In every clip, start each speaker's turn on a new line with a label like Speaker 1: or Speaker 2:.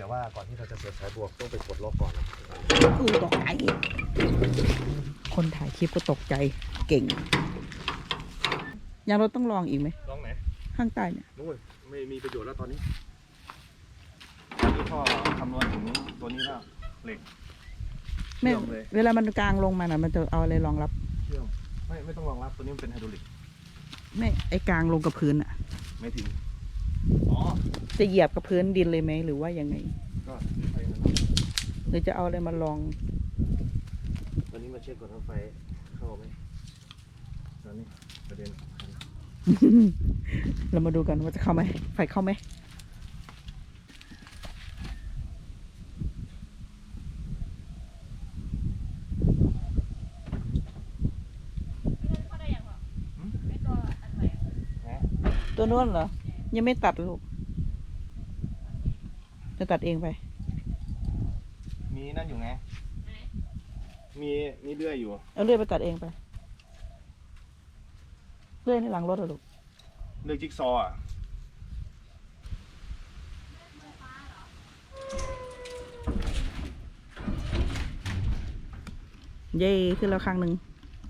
Speaker 1: ว่าก่อนที่เราจะเสียบสายบวกต้องไปกดล็อกก่อน
Speaker 2: คือตกใจคนถ่ายคลิปก็ตกใจเก่งยังเราต้องลองอีกไหม
Speaker 1: ลองไหน
Speaker 2: ข้างใต้เนี่ย
Speaker 1: นู้นไม่มีประโยชน์แล้วตอนนี้พ่อคำนวณถึงตัวนี้แล้วเหล็ก
Speaker 2: ไม่เวลามันกลางลงมาน่ะมันจะเอาอะไรรองรับ
Speaker 1: เชื่อมไม่ต้องรองรับตัวนี้มันเป็นไฮดรอลิก
Speaker 2: ไม่ไอ้กลางลงกับพื้นอ่ะ
Speaker 1: ไม่ถึงอ๋อ
Speaker 2: จะเหยียบกับพื้นดินเลยไหมหรือว่ายังไง
Speaker 1: ก็ไฟนั่น
Speaker 2: หรือจะเอาอะไรมาลอง
Speaker 1: วันนี้มาเช็คก่อนว่าไฟเข้าไหมตอนนี้ประเด็น
Speaker 2: เรามาดูกันว่าจะเข้าไหมไฟเข้าไหมตัวนู้นเหรอยังไม่ตัดลูกจะตัดเองไป
Speaker 1: มีนั่นอยู่ไงมีเลื่อยอยู่
Speaker 2: เอาเลื่อยไปตัดเองไปเลื่อยในหลังรถเหรอลูก
Speaker 1: เลื่อยจิ๊กซอว์
Speaker 2: เย่ขึ้นแล้วครั้งหนึ่ง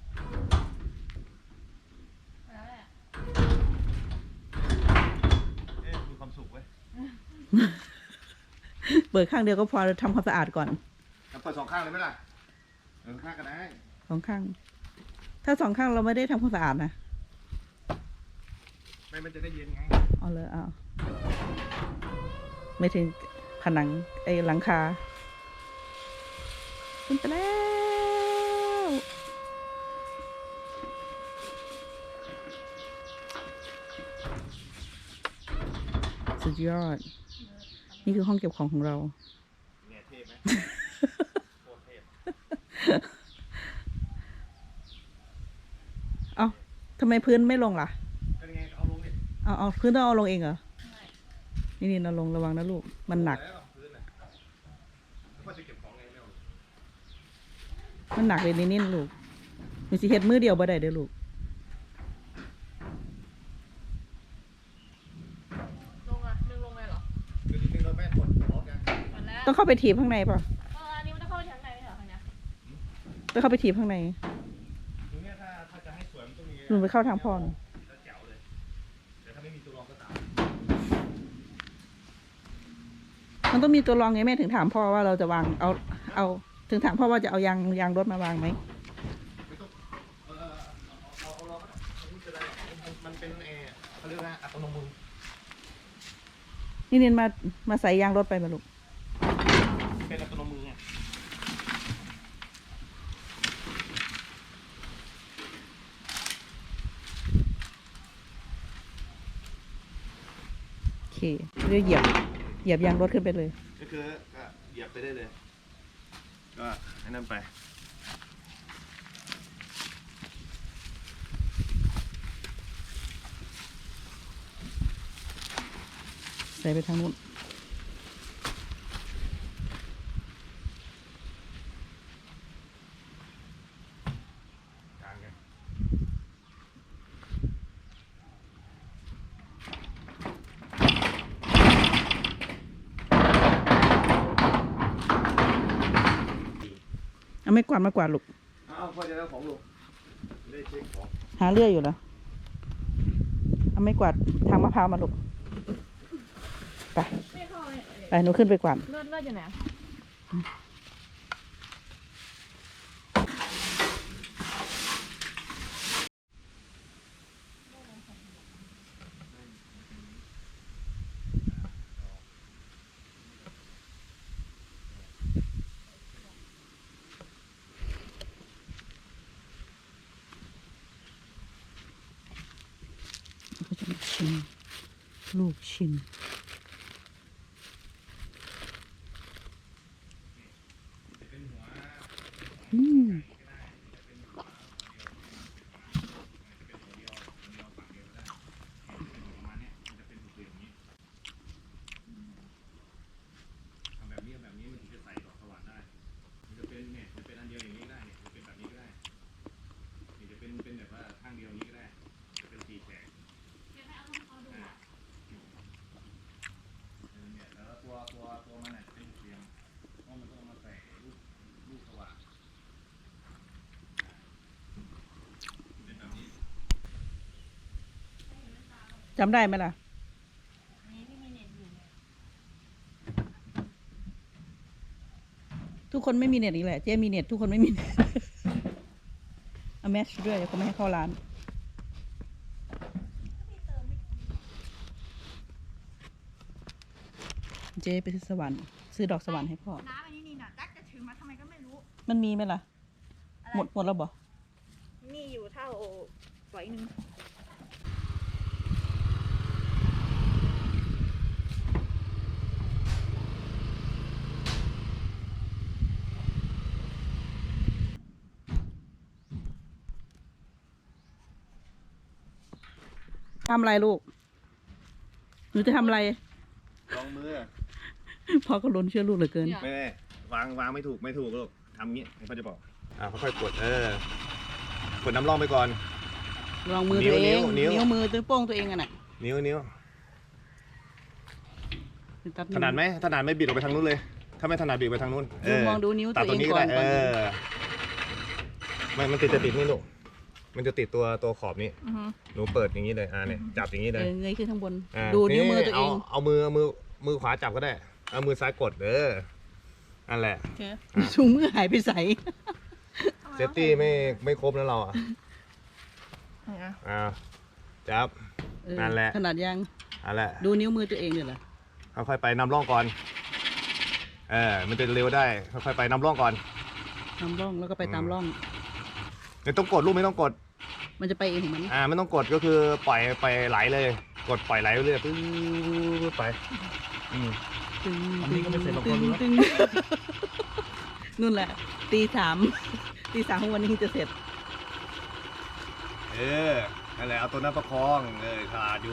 Speaker 2: เปิดข้างเดียวก็พอทำความสะอาดก่อน
Speaker 1: เปิดสองข้างเลยไหมล่ะข้างก็ได้
Speaker 2: สองข้างถ้าสองข้างเราไม่ได้ทำความสะอาดนะ
Speaker 1: ไม่มันจะได้เย็นไง
Speaker 2: เอาเลยเอาไม่ถึงผนังไอ้หลังคาขึ้นไปแล้วสุดยอดนี่คือห้องเก็บของของเรา
Speaker 1: เนี่ยเท่ไหมโคตรเท่
Speaker 2: เอาทำไมพื้นไม่ลงล่ะ
Speaker 1: เป็นไงเอาลงดิ
Speaker 2: เอาพื้นต้องเอาลงเองเหรอนี่เราลงระวังนะลูกมันหนักมันหนักเลยนี่ลูกมีสิเฮ็ดมือเดียวบ่ได้เด้อลูกต้องเข้าไปถีบข้างในป่ะ
Speaker 3: อันนี้มันต้องเข้าไปข้างในเหรอคะเนี่ย
Speaker 2: ต้องเข้าไปถีบข้างใน
Speaker 1: ตรงนี้ถ้าจะให้สวยมันต้องมี
Speaker 2: หนูไปเข้าทางพ่อ
Speaker 1: แจ๋วเลยแต่ถ้าไม่มีตัวรองก็ตาม
Speaker 2: มันต้องมีตัวรองไงแม่ถึงถามพ่อว่าเราจะวางเอาถึงถามพ่อว่าจะเอายางรถมาวางไหม
Speaker 1: ไม่ต้องเอารองมันเป็นเขาเรียกว่าอัตโนมือ
Speaker 2: นี่เน้นมาใส่ยางรถไปมาลูก
Speaker 1: เป็นอัตโนมือไง
Speaker 2: โอเคเรียกเหยียบยางรถขึ้นไปเลย
Speaker 1: ก็คือก็เหยียบไปได้เลยก็ให้นั่นไป
Speaker 2: ใส่ไปทางนู้นเอาไม่กวาดมากวาดลูก
Speaker 1: พ่อจะเอาของลูกได้เช็คของ
Speaker 2: หาเลื่อยอยู่เหรอเอาไม่กวาดทางมะพร้าวมาลูกไปหนูขึ้นไปกวาด
Speaker 3: เลือดอยู่ไหน
Speaker 2: ลูกชิ้นจำได้ไหมล่ะ
Speaker 3: นี่พี่มีเน็ตอยู่
Speaker 2: ทุกคนไม่มีเน็ตอีกแหละ เจ๊มีเน็ตทุกคนไม่มีเน็ต เอาแมชด้วยเขาไม่ให้เข้าร้าน เจ๊ไปซื้อสวรรค์ซื้อดอกสวรรค์ให้พ่อ
Speaker 3: น้ำอันนี้นี่น่ะดักจะถือมาทำไมก็ไม่รู้
Speaker 2: มันมีไหมล่ะ หมดแล้วบ่
Speaker 3: นี่อยู่เท่าฝอยหนึ่ง
Speaker 2: ทำอะไรลูก หนูจะทำอะไร
Speaker 1: ลองมือ
Speaker 2: พ่อก็ล้นเชื่อลูกเหลือเกิน
Speaker 1: ไม่ได้วางไม่ถูกลูกทำงี้ให้พ่อจะบอกค่อยๆกดกดน้ำร่องไปก่อน
Speaker 2: ลองมือตัวเอง
Speaker 1: นิ้ว
Speaker 2: นิ้วมือตัวโป้งตัวเองอะน่ะ
Speaker 1: นิ้ว
Speaker 2: ตัด
Speaker 1: ถนัดไหมบิดออกไปทางนู้นเลย ถ้าไม่ถนัดบิดไปทางนู้น
Speaker 2: ดูมองดูนิ้ว
Speaker 1: ตั
Speaker 2: ตั
Speaker 1: ด
Speaker 2: ว
Speaker 1: ตร
Speaker 2: เอง ง
Speaker 1: นี้
Speaker 2: ก่
Speaker 1: ก็
Speaker 2: อน
Speaker 1: ได้มันจะติดนี่ลูกมันจะติดตัวขอบนี้
Speaker 2: อือฮึ
Speaker 1: หนูเปิดอย่างนี้เลยเนี่ยจับอย่างนี้เลย
Speaker 2: เงยขึ้นข้างบน ดูนิ้วมือตัวเอง
Speaker 1: เอามือขวาจับก็ได้ เอามือซ้ายกดนั่นแหละ
Speaker 2: ถุงมือหายไปใส่
Speaker 1: เซฟตี้ไม่ครบนะเราจับ นั่นแหละ
Speaker 2: ขนาดยัง
Speaker 1: นั่นแหละ
Speaker 2: ดูนิ้วมือตัวเองเนี่ยเหรอ
Speaker 1: ค่อยๆไปนำร่องก่อนมันจะเร็วได้ค่อยๆไปนำร่องก่อน
Speaker 2: นำร่องแล้วก็ไปตามร่อง
Speaker 1: ไม่ต้องกดลูกไม่ต้องกด
Speaker 2: มันจะไปเองของมัน
Speaker 1: ไม่ต้องกดก็คือปล่อยไปไหลเลย กดปล่อยไหลเรื่อยๆไป
Speaker 2: ตึง
Speaker 1: อันนี้ก็ไม่เสร็จหรอกคนรู้แล้ว
Speaker 2: ตึงนู่นแหละ ตีสามของวันนี้จะเสร็จ
Speaker 1: นั่นแหละเอาตัวนั้นประคองขาดอยู่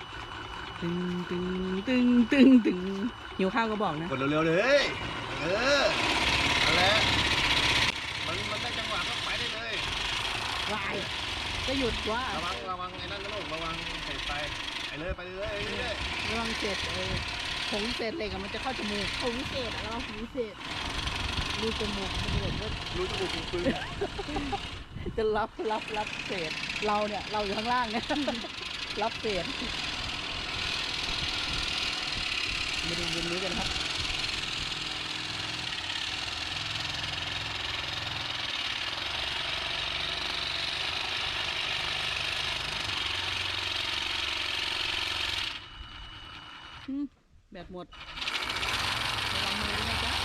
Speaker 2: ตึงหิวข้าวก็บอกนะ
Speaker 1: กดเร็วๆเลยนั่นแหละมันได้จังหวะก็ไปได้เลยว
Speaker 2: ายก็หยุดว่า
Speaker 1: ระวังไอ้นั่นนะลูกระวังเศษไปเรื่อย
Speaker 2: ระวังเศษผงเศษเหล็กอะมันจะเข้าจมูก
Speaker 3: ผมวิเศษอะเราผมวิเศษ
Speaker 2: รูจมูกมันจะแบบว่า
Speaker 1: รู้จมูกปืน
Speaker 2: จะรับเศษเราเนี่ยเราอยู่ข้างล่างเนี่ย รับเศษมาดูบนนี้กันครับแบตหมดระวังมือด้วยนะจ๊ะ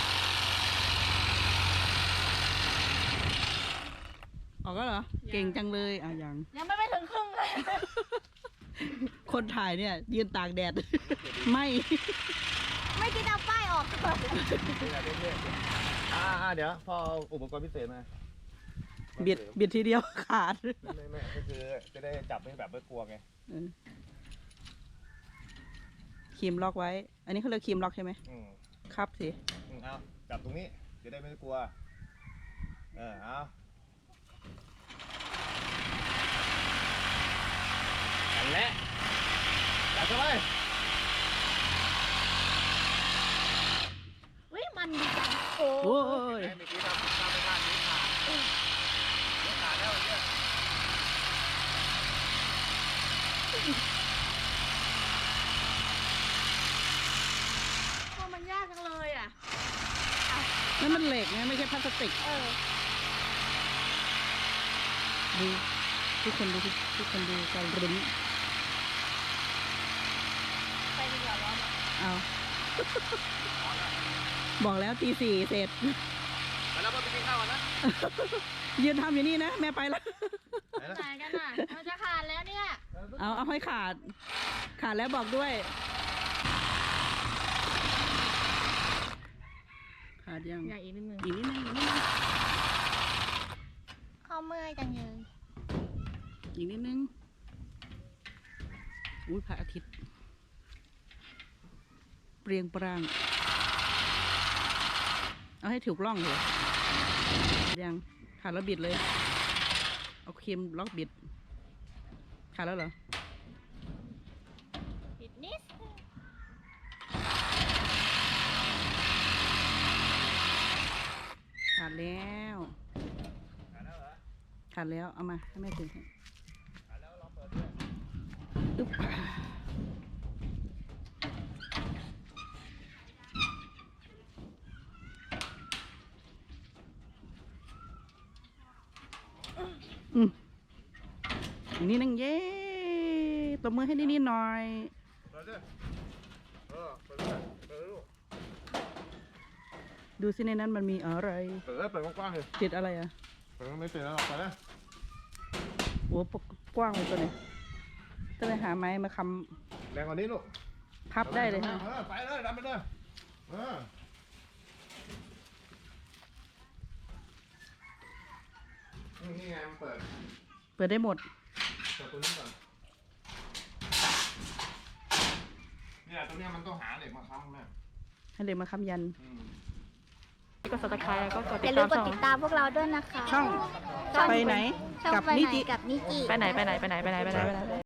Speaker 2: ออกแล้วเหรอ เก่งจังเลยยัง
Speaker 3: ยังไม่ถึงครึ่งเลย
Speaker 2: คนถ่ายเนี่ยยืนตากแดด ไม่
Speaker 3: ไม่คิดเอาป้ายออกก่อน
Speaker 1: เดี๋ยวพอเอาอุปกรณ์พิเศษมา
Speaker 2: เบียดทีเดียวขาด
Speaker 1: ไม่ก็คือจะได้จับให้แบบไม่กลัวไง
Speaker 2: ครีมล็อกไว้ อันนี้เขาเรียกครีมล็อกใช่ไหมครับสิ
Speaker 1: เอาจับตรงนี้จะได้ไม่กลัวเอานั่นแหละจับเข้าไป
Speaker 3: เฮ้ยมันดีจังโอ้
Speaker 2: โอ้ย
Speaker 1: เมื่อกี้ทำไปพลาดนิ้วขาดแล้วเนี่ย
Speaker 3: มันยากจังเลยอ่ะ
Speaker 2: นั่นมันเหล็กนะไม่ใช่พลาสติกดูทุกคนดูการรุ้น
Speaker 3: ไปดีกว่าร้อนอ่ะ
Speaker 2: เอา บอกแล้วตี 4เสร็จ
Speaker 1: ไปแล้วไปกินข้าวก่อนนะ
Speaker 2: ยืนทำอยู่นี่นะ แม่ไปแล้ว
Speaker 3: ไหนกันน่ะมันจะขาดแล้วเนี่ย
Speaker 2: เอาให้ขาดแล้วบอกด้วย ขาดยัง
Speaker 3: อยากอีกนิดนึง
Speaker 2: อีกนิดนึง
Speaker 3: เข้าเมื่อยจังเลย
Speaker 2: อีกนิดนึงอุ้ยพระอาทิตย์ เปรียงปราง เอาให้ถูกร่องเลยยังขาดแล้วบิดเลย เอาครีมล็อกบิดขาดแล้วเหรอ
Speaker 3: ปิดนิด
Speaker 2: ขาดแล้วขาดแล้วเอามาให้แม่ถึงให้
Speaker 1: แล้วลองเปิดด้วย
Speaker 2: อึ๊บอีกนิดนึงเย้ตบมือให้นิดๆหน่อย
Speaker 1: ไปเลยไปเลยไปเลยลูก
Speaker 2: ดูสิในนั้นมันมีอะไร
Speaker 1: เปิดเลยเปิดกว้างๆเลย
Speaker 2: ติดอะไรอ่ะ
Speaker 1: เปิดไม่ติดแล้วไปเลย
Speaker 2: โอ้กว้างเลยตัวนี้ต้องไปหาไม้มาค
Speaker 1: แรงกว่านี้ลูก
Speaker 2: ำพับได้เลยฮะ
Speaker 1: ไปเลยดันไปเลยนี่ไงมันเปิด
Speaker 2: เปิดได้หมด
Speaker 1: เปิดตัวนี้ก่อนเนี่ยตัวเนี้ยมันต้องหาเหล็กมาค้ำแม่
Speaker 2: ให้เด็กมาค้ำยัน
Speaker 3: กด subscribe แล้วก็กด
Speaker 4: อย่าลืมกดติดตามพวกเราด้วยนะคะ
Speaker 2: ช่อง
Speaker 4: ช่อง
Speaker 2: ไปไหน
Speaker 4: ช่อง
Speaker 2: กับ
Speaker 4: ไป
Speaker 2: นิ
Speaker 4: ไหน
Speaker 2: จิ
Speaker 4: กับนิจิ
Speaker 3: ไปไหน